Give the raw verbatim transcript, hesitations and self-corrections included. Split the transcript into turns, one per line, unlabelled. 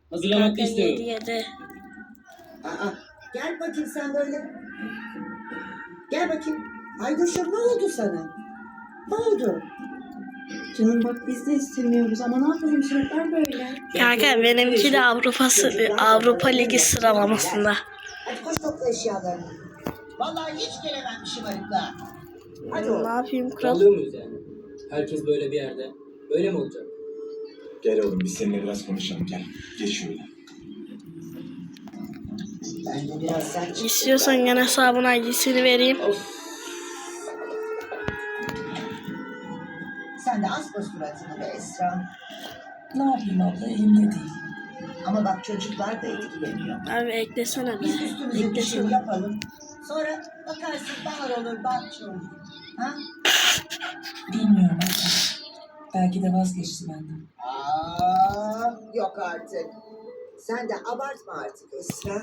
Hazırlamak
Kanka yedi
istiyorum.
yedi.
Aa, gel bakayım sen böyle. Gel bakayım. Aydoşum ne oldu sana? Ne oldu?
Canım bak biz de istemiyoruz ama ne yapalım şartlar böyle.
Kanka benimki de Avrupa, Avrupa Ligi sıralamasında.
Hadi koş topla eşyalarını. Vallahi hiç gelemem şımarıklığa. Hadi oğlum.
Ne yapayım kral?
Kalıyor muyuz yani? Herkes böyle bir yerde. Böyle mi olacak?
Gel oğlum biz seninle biraz konuşalım gel. Geç şöyle.
Ben de biraz sen çık.
İstiyorsan gene hesabın I D'sini vereyim.
Of.
Sen de asma suratını be Esra.
Ne yapayım abla elimde değil.
Ama bak çocuklar da etkileniyor.
Abi eklesene be.
Biz üstümüze düşeni
Eklesene.
yapalım. Sonra bakarsın bahar olur, bahçe olur. Ha?
Bilmiyorum abla. Belki de vazgeçti benden.
Aa, yok artık. Sen de abartma artık Esra.